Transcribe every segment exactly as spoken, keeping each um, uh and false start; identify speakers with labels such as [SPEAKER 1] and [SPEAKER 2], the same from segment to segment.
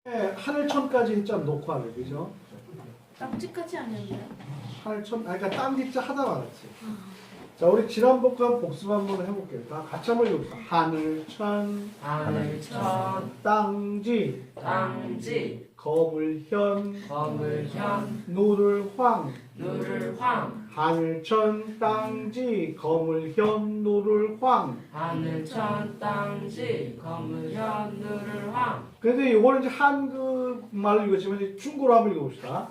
[SPEAKER 1] 네, 하늘천까지 했잖아, 녹화를, 그죠?
[SPEAKER 2] 땅지까지 아니었나요?
[SPEAKER 1] 하늘천, 아, 그러니까 땅지자 하다 말았지. 자, 우리 지난번 거 한번 복습 한번 해볼게요. 다 같이 한번 읽어봅시다. 하늘천,
[SPEAKER 3] 하늘천,
[SPEAKER 1] 땅지,
[SPEAKER 3] 땅지,
[SPEAKER 1] 거물현,
[SPEAKER 3] 거물현,
[SPEAKER 1] 노를황.
[SPEAKER 3] 누를황.
[SPEAKER 1] 하늘천, 땅지, 거물현, 노를황.
[SPEAKER 3] 하늘천, 땅지, 거물현, 누를황.
[SPEAKER 1] 근데 이거는 이제 한국말로 읽었지만 이제 중국어로 한번 읽어봅시다.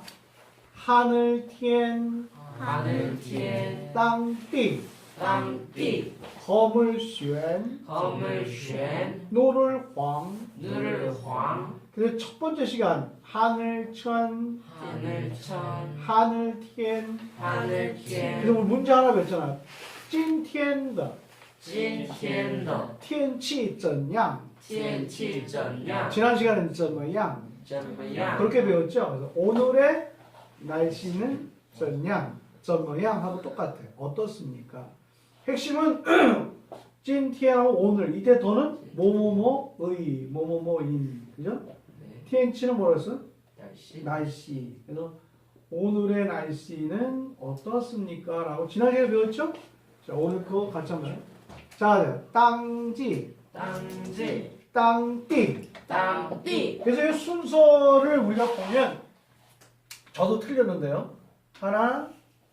[SPEAKER 1] 하늘天,
[SPEAKER 3] 하늘天,
[SPEAKER 1] 땅地,
[SPEAKER 3] 땅地,
[SPEAKER 1] 거물旋,
[SPEAKER 3] 거물旋,
[SPEAKER 1] 노를황.
[SPEAKER 3] 누를황.
[SPEAKER 1] 그래서 첫 번째 시간 하늘천,
[SPEAKER 3] 하늘천,
[SPEAKER 1] 하늘天.
[SPEAKER 3] 하늘天,
[SPEAKER 1] 그래서 우리 문제 하나 배웠잖아. 今天的
[SPEAKER 3] 今天的
[SPEAKER 1] 天气怎样?
[SPEAKER 3] 天气怎样?
[SPEAKER 1] 지난 시간에는 怎么样?
[SPEAKER 3] 怎么样?
[SPEAKER 1] 그렇게 배웠죠. 그래서 오늘의 날씨는 怎样?怎么样 하고 똑같아. 어떻습니까? 핵심은 今天 오늘 이때 더는 뭐뭐뭐의 뭐뭐뭐인 그죠?
[SPEAKER 3] 네,
[SPEAKER 1] 天气는 뭐라 했어?
[SPEAKER 3] 날씨.
[SPEAKER 1] 날씨. 그래서 오늘의 날씨는 어떻습니까? 라고 지난 시간에 배웠죠? 자, 오늘 그거 같이 한번 해요. 자, 땅지,
[SPEAKER 3] 땅지,
[SPEAKER 1] 땅띠.
[SPEAKER 3] 땅띠.
[SPEAKER 1] 그래서 이 순서를 우리가 보면 저도 틀렸는데요. 하나,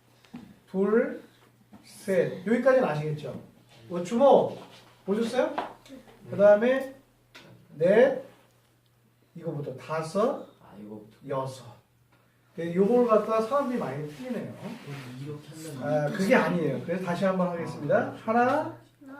[SPEAKER 1] 둘, 셋. 여기까지는 아시겠죠? 뭐 주먹 보셨어요? 그 다음에 넷, 이거부터 다섯,
[SPEAKER 3] 아 이거
[SPEAKER 1] 여섯. 요걸 갖다가 사람들이 많이 틀리네요.
[SPEAKER 3] 이렇게 하면
[SPEAKER 1] 아, 그게 아니에요. 그래서 다시 한번 하겠습니다. 하나,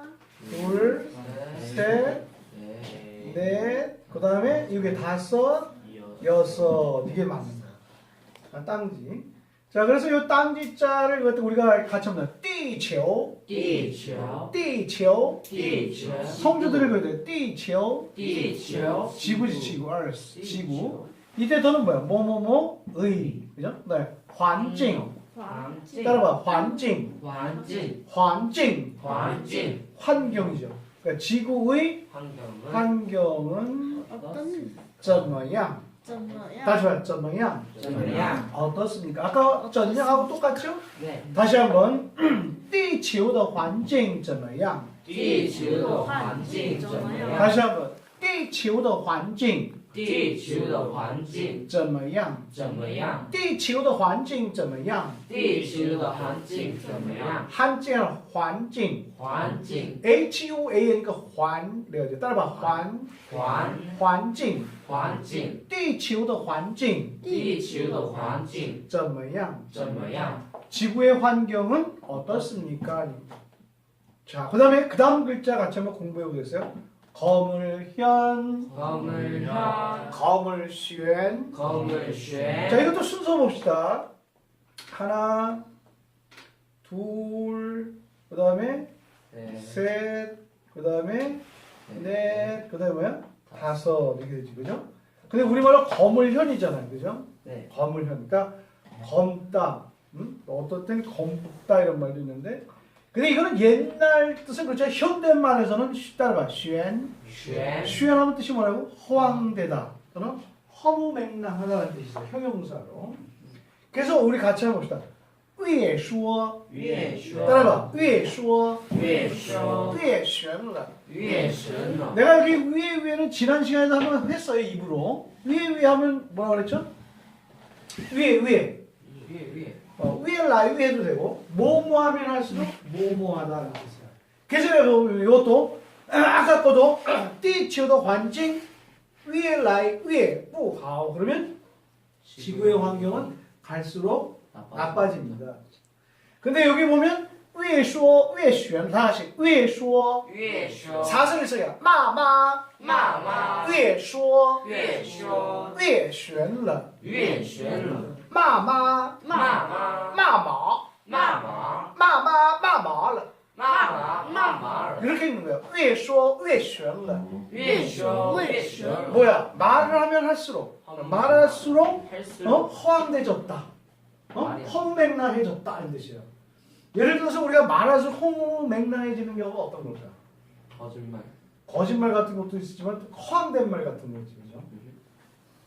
[SPEAKER 1] 둘, 셋,
[SPEAKER 3] 네,
[SPEAKER 1] 넷, 그 다음에 이게 다섯, 여섯. 이게 맞습니다. 아, 땅지. 자, 그래서 이 땅지자를 이것도 우리가 같이 한번 띠치오,
[SPEAKER 3] 地球
[SPEAKER 1] 띠치오.
[SPEAKER 3] 地球
[SPEAKER 1] 성조들을 그려야 돼. 띠치오.
[SPEAKER 3] 地球
[SPEAKER 1] 지구지, 지구, earth, 지구. 이때 더는 뭐야? 뭐뭐뭐의. 그죠? 네. 환境.
[SPEAKER 3] 环境
[SPEAKER 1] 따라봐. 환境.
[SPEAKER 3] 环境
[SPEAKER 1] 환境.
[SPEAKER 3] 环境
[SPEAKER 1] 환경이죠. 그러니까 지구의
[SPEAKER 3] 환경은
[SPEAKER 1] 환경은
[SPEAKER 2] 어떤
[SPEAKER 1] 怎么样?
[SPEAKER 2] 怎么样?
[SPEAKER 1] 다시 말해. 怎么样?
[SPEAKER 3] 怎么样?
[SPEAKER 1] 어떻습니까? 아까 怎样하고 똑같죠?
[SPEAKER 3] 네,
[SPEAKER 1] 다시 한번 地球的环境怎么样?
[SPEAKER 3] 地球的环境怎么样？
[SPEAKER 1] 다시 한번 地球的环境
[SPEAKER 3] 地球的环境
[SPEAKER 1] 怎么样?
[SPEAKER 3] 怎么样？
[SPEAKER 1] 地球的环境怎么样?
[SPEAKER 3] 地球的环境怎么样？
[SPEAKER 1] 한자 环境
[SPEAKER 3] 环境
[SPEAKER 1] H U A N 그环 레어죠. 따라봐. 环
[SPEAKER 3] 环
[SPEAKER 1] 环境
[SPEAKER 3] 环境
[SPEAKER 1] 地球的环境
[SPEAKER 3] 地球的环境
[SPEAKER 1] 怎么样?
[SPEAKER 3] 怎么样？
[SPEAKER 1] 지구의 환경은 어떻습니까? 자, 그 다음에 그 다음 글자 같이 한번 공부해 보겠어요. 거물현,
[SPEAKER 3] 我们看
[SPEAKER 1] 거물旋.
[SPEAKER 3] 口们学
[SPEAKER 1] 자, 이것도 순서 봅시다. 하나, 둘, 그 다음에
[SPEAKER 3] 네,
[SPEAKER 1] 셋, 그 다음에 넷, 그 다음에 뭐야? 다섯 이렇게 되지, 그죠? 근데 우리말로 거물현이잖아요, 그죠?
[SPEAKER 3] 네,
[SPEAKER 1] 거물현. 그러니까 검다, 음? 어떨 땐 검다 이런 말도 있는데, 근데 이거는 옛날 뜻은 그렇죠. 현대말에서는 따라봐, 쉔.
[SPEAKER 3] 学
[SPEAKER 1] 쉔하면 뜻이 뭐라고? 허황되다 또는 허무맹랑하다는 뜻이죠. 형용사로. 그래서 우리 같이 한번 봅시다. 越说
[SPEAKER 3] 越说
[SPEAKER 1] 따라봐. 越说
[SPEAKER 3] 越说
[SPEAKER 1] 越玄了.
[SPEAKER 3] 越神了，
[SPEAKER 1] 내가 여기 위에 위에는 지난 시간에도 한번 했어요. 입으로. 위에 위에 하면 뭐라 그랬죠? 위에 위에.
[SPEAKER 3] 越越
[SPEAKER 1] 어, 위에 라이 위에 해도 되고 뭐뭐 하면 할수록 뭐뭐하다는 뜻이야. 그래서 이것도 아까 거도 地球的环境越来越不好. 그러면 지구의 환경은 갈수록 나빠집니다. 근데 여기 보면 越说越玄 다시 越说
[SPEAKER 3] 越说
[SPEAKER 1] 사슬을 써야 骂妈
[SPEAKER 3] 骂妈
[SPEAKER 1] 越说
[SPEAKER 3] 越说
[SPEAKER 1] 越玄了
[SPEAKER 3] 越玄了，
[SPEAKER 1] 骂妈
[SPEAKER 3] 骂妈
[SPEAKER 1] 骂毛
[SPEAKER 3] 骂毛
[SPEAKER 1] 骂妈骂毛了
[SPEAKER 3] 骂妈骂毛了，
[SPEAKER 1] 이렇게 읽는 거예요. 越说越玄了
[SPEAKER 3] 越说越玄了，
[SPEAKER 1] 뭐야? 말을 하면 할수록 말할수록
[SPEAKER 3] 할수록
[SPEAKER 1] 어? 허황돼졌다. 어? 헛맹랑해졌다 이런 뜻이에요. 예를 들어서 우리가 말할수록 허무맹랑해지는 경우가 어떤 걸까요?
[SPEAKER 3] 거짓말, 거짓말 같은 것도 있지만 또 허황된 말 같은 거지, 그죠?
[SPEAKER 1] 거짓말 같은 것도 있지만, 그죠? 그 다음에 '말 하면 할수록 말 할수록 헛맹랑해진다.
[SPEAKER 3] '거짓말, '거짓말 같은 것도 있지만 또
[SPEAKER 1] '허황된 말 같은 것도 있지만 '거짓말 같은 것도 있지만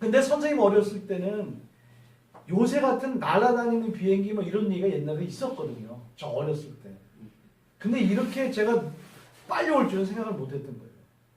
[SPEAKER 1] 근데 선생님 어렸을 때는 요새 같은 날아다니는 비행기 뭐 이런 얘기가 옛날에 있었거든요. 저 어렸을 때. 근데 이렇게 제가 빨리 올 줄은 생각을 못 했던 거예요.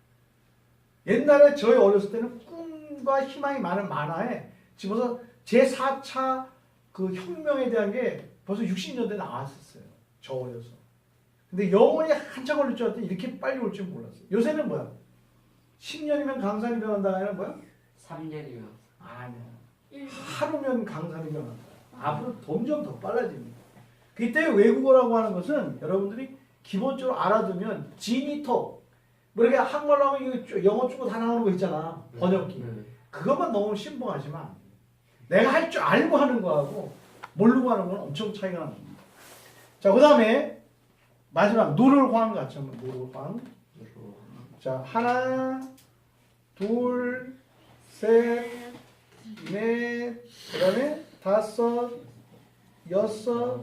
[SPEAKER 1] 옛날에 저희 어렸을 때는 꿈과 희망이 많은 만화에 집어서 제사 차 그 혁명에 대한 게 벌써 육십 년대에 나왔었어요. 저 어려서. 근데 영원히 한참 걸릴 줄 알았더니 이렇게 빨리 올 줄 몰랐어요. 요새는 뭐야? 십 년이면 강산이 변한다 아니면 뭐야?
[SPEAKER 3] 삼 년이면
[SPEAKER 1] 아니야.
[SPEAKER 2] 일 년.
[SPEAKER 1] 하루면 강산이 변한다. 앞으로 점점 더 빨라집니다. 그때 외국어라고 하는 것은 여러분들이 기본적으로 알아두면 지니톡 뭐 이렇게 한글로 하면 이거 영어 중고 다 나오는 거 있잖아. 번역기.
[SPEAKER 3] 네.
[SPEAKER 1] 그것만 너무 신봉하지만 안 돼. 내가 할 줄 알고 하는 거하고 모르고 하는 건 엄청 차이가 납니다. 자, 그 다음에 마지막 노를황 같이 한번 노를황. 자, 하나, 둘, 셋, 넷, 그 다음에 다섯, 여섯,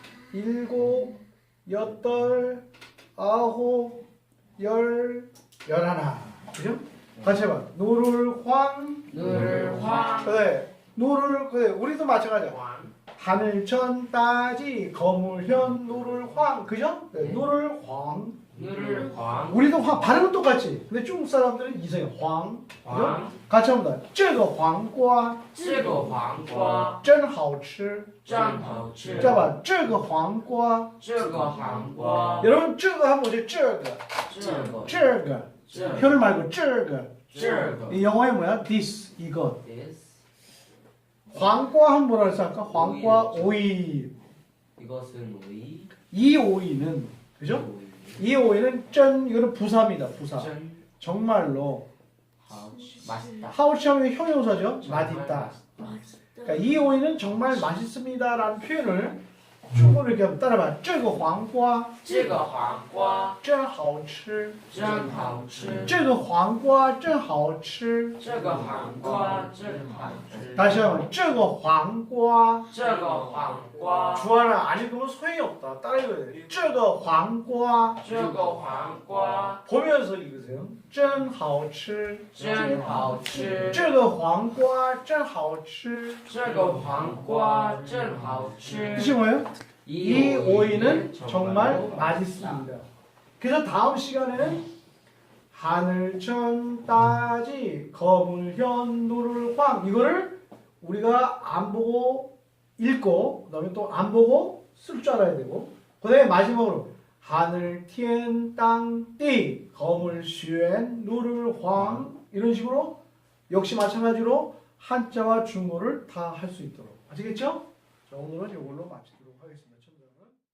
[SPEAKER 1] 일곱, 여덟, 아홉, 열, 열하나. 그죠? 같이 해봐. 노를황.
[SPEAKER 3] 늘황
[SPEAKER 1] 그래. 노를, 그래. 우리도 마찬가지야.
[SPEAKER 3] 황
[SPEAKER 1] 하늘천 따지 거물현 노를황. 그죠? 그래.
[SPEAKER 3] 네.
[SPEAKER 1] 노를황.
[SPEAKER 3] 늘황
[SPEAKER 1] 우리도 황, 발음은 똑같지. 근데 중국 사람들은 이상해. 황. 그죠?
[SPEAKER 3] 황
[SPEAKER 1] 같이 합니다. 这个黄瓜
[SPEAKER 3] 这个黄瓜
[SPEAKER 1] 真好吃.
[SPEAKER 3] 真好吃
[SPEAKER 1] 잡아. 这个黄瓜.
[SPEAKER 3] 这个黄瓜
[SPEAKER 1] 여러분, 这个하면 뭐지? 这个.
[SPEAKER 3] 这个
[SPEAKER 1] 这个.
[SPEAKER 3] 这个
[SPEAKER 1] 혀를 말고 这个.
[SPEAKER 3] 这个
[SPEAKER 1] 이 영어에 뭐야? this, 이것.
[SPEAKER 3] this
[SPEAKER 1] 황과 하면 뭐라 그랬어? 아까 황과 오이.
[SPEAKER 3] 이것은 오이
[SPEAKER 1] 이 오이는, 그죠?
[SPEAKER 3] 오이
[SPEAKER 1] 이 오이는 짠, 이거는 부사입니다. 부사.
[SPEAKER 3] 짠
[SPEAKER 1] 정말로.
[SPEAKER 3] 하우치 맛있다
[SPEAKER 1] 하우치하면 형용사죠? 맛있다.
[SPEAKER 2] 맛있다.
[SPEAKER 1] 그러니까 이 오이는 정말 맛있습니다라는 표현을 중국어로 이렇게 한번 따라봐. 这个黄瓜
[SPEAKER 3] 这个黄瓜
[SPEAKER 1] 真好吃.
[SPEAKER 3] 真好吃
[SPEAKER 1] 这个黄瓜真好吃.
[SPEAKER 3] 这个黄瓜真好吃
[SPEAKER 1] 다시 한번. 这个黄瓜.
[SPEAKER 3] 这个黄瓜
[SPEAKER 1] 주하나 안 읽으면 소용이 없다. 따라 읽어야 돼. 这个黄瓜.
[SPEAKER 3] 这个黄瓜
[SPEAKER 1] 보면서 읽으세요. 真好吃.
[SPEAKER 3] 真好吃
[SPEAKER 1] 这个黄瓜真好吃.
[SPEAKER 3] 这个黄瓜真好吃
[SPEAKER 1] 뜻이 뭐예요? 이 오이는 정말 맛있습니다. 그래서 다음 시간에는 하늘천 따지 거물현 노를황 이거를 우리가 안 보고 읽고 그다음에 또 안 보고 쓸 줄 알아야 되고 그다음에 마지막으로 하늘天땅地 거물쉔 노를황 이런 식으로 역시 마찬가지로 한자와 중국어를 다 할 수 있도록 아시겠죠? 자, 오늘은 이걸로 마치도록 하겠습니다.